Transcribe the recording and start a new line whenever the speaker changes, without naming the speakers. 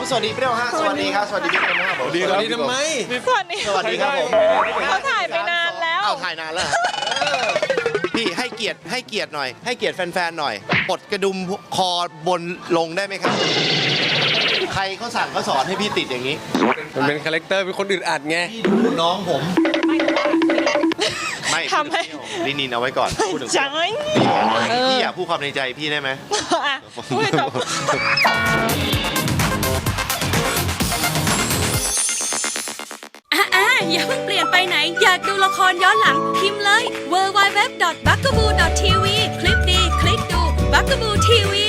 สวัสดีเปรี้ยวฮะสวัสดีครับสวัสดีพี่เปรี้ยวฮะสวัสดีครับ
ทำไม
สวัสดี
สวัสดีครับผม
เขาถ่ายไปนานแล้ว
เอาถ่ายนานแล้วเหรอพี่ให้เกียรติหน่อยให้เกียรติแฟนๆหน่อยปลดกระดุมคอบนลงได้ไหมครับ ใครเขาสั่งเขาสอนให้พี่ติดอย่างนี้
มันเป็นคาแรคเตอร์เป็นคนอึดอัดไง
พี่ดูน้องผมไม่
ทำให้
ลินินเอาไว้ก่อนพูดถึง
จังเลย
พี่อยากพูดความในใจพี่ได้ไหม
อ่ะพูดให้จบ
อย่าเพิ่งเปลี่ยนไปไหน อยากดูละครย้อนหลัง พิมพ์เลย www.bugaboo.tv คลิปดี คลิกดู Bugaboo TV